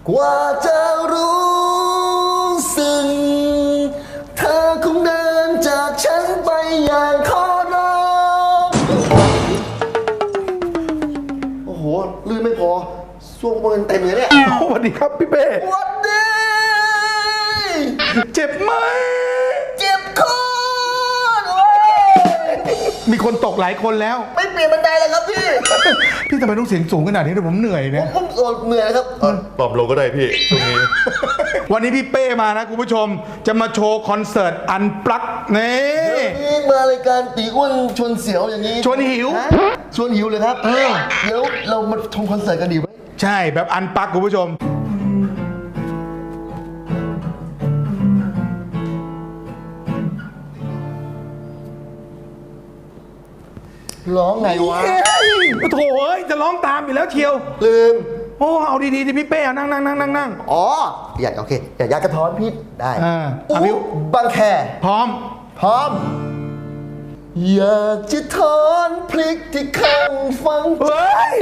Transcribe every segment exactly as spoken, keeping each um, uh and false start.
กว่าจะรู้สึกเธอคงเดินจากฉันไปอย่างขอร้องโอ้โหลื่นไม่พอส่วงมันเต็มเลยเนี่ยสวัสดีครับพี่เป้สวัสดีเจ็บไหมเจ็บคอมีคนตกหลายคนแล้วไม่เปลี่ยนบันไดเลยครับพี่พี่ทำไมต้องเสียงสูงขนาดนี้ด้วยผมเหนื่อยเนี่ยผมเหนื่อยครับปรับลงก็ได้พี่ช่วงนี้วันนี้พี่เป้มานะคุณผู้ชมจะมาโชว์คอนเสิร์ตอันปลั๊กนี่นี่มารายการตีอ้วนชวนเสียวอย่างนี้ชวนหิวชวนหิวเลยครับเออเดี๋ยวเรามาชมคอนเสิร์ตกันดีไหมใช่แบบอันปลั๊กคุณผู้ชมร้องไงวะโถ่เอ้ยจะร้องตามอยู่แล้วเชียวลืมโอ้เอาดีๆดิพี่เป้นั่งนั่งนั่งนั่งนั่งอ๋ออยากโอเคอยากยากระท้อนพิษได้อ่าอุ๊บางแคพร้อมพร้อมอยากจะถอนพริกที่ข้างฟังเฮ้ย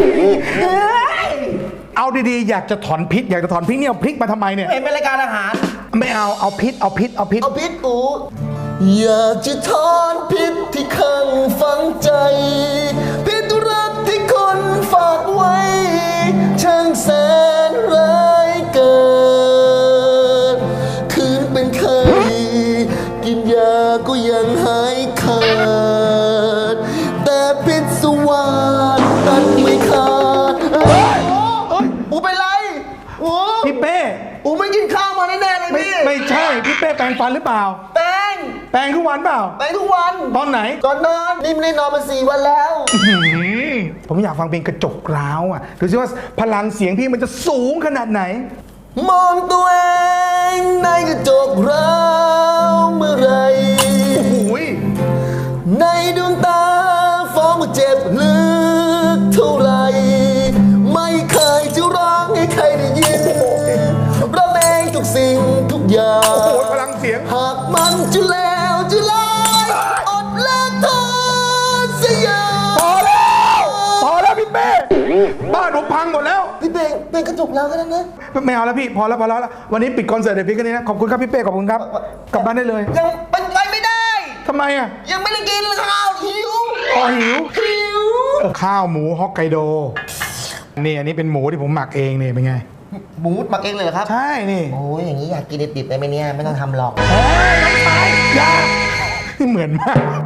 เอาดีๆอยากจะถอนพิษอยากจะถอนพิษเนี่ยเอาพริกมาทำไมเนี่ยเห็นเป็นรายการอาหารไม่เอาเอาพิษเอาพิษเอาพิษเอาพิษอูอยากจะถอนพิษที่ข้างฝังใจพิษรักที่คนฝากไว้ช่างแสนร้ายเกินคืนเป็นไข้กินยาก็ยังหายขาดแต่พิษสวาสตัดไม่ขาดอูเป็นไรโอ้พี่เป้อูไม่กินข้าวมาแน่ๆเลยพี่ไม่ใช่พี่เป้แปรงฟันหรือเปล่าแปรงแปรงทุกวันเปล่าแปรงทุกวันตอนไหนก่อนนอนนี่ไม่ได้นอนมาสี่วันแล้วผมอยากฟังเพลงกระจกร้าวอ่ะดูสิว่าพลังเสียงพี่มันจะสูงขนาดไหนมองตัวเองในกระจกร้าวเมื่อไรโอ้โหในดวงตาฟ้องเจ็บลึกเท่าไรไม่เคยจะร้องให้ใครได้ยินเราเองทุกสิ่งทุกอย่างโอ้โหพลังเสียงหากมันจะแล้วจะลายอดละทนเสียพอแล้วพอแล้วพี่เป้บ้านผมพังหมดแล้วพี่เป้เป็นกระจกแล้วกันนะไม่เอาแล้วพี่พอแล้วพอแล้ววันนี้ปิดคอนเสิร์ตเดี๋ยวพี่กันนี้นะขอบคุณครับพี่เป้ขอบคุณครับกลับบ้านได้เลยยังเป็นไปไม่ได้ทำไมอ่ะยังไม่ได้กินข้าวหิวอ๋อหิวหิวข้าวหมูฮอกไกโดนี่อันนี้เป็นหมูที่ผมหมักเองนี่เป็นไงหมูหมักเองเลยเหรอครับใช่นี่โอ้ยอย่างนี้อยากกินดิบๆได้ไหมเนี่ยไม่ต้องทำหรอกเฮ้ยน้องชายอย่าเหมือนมาก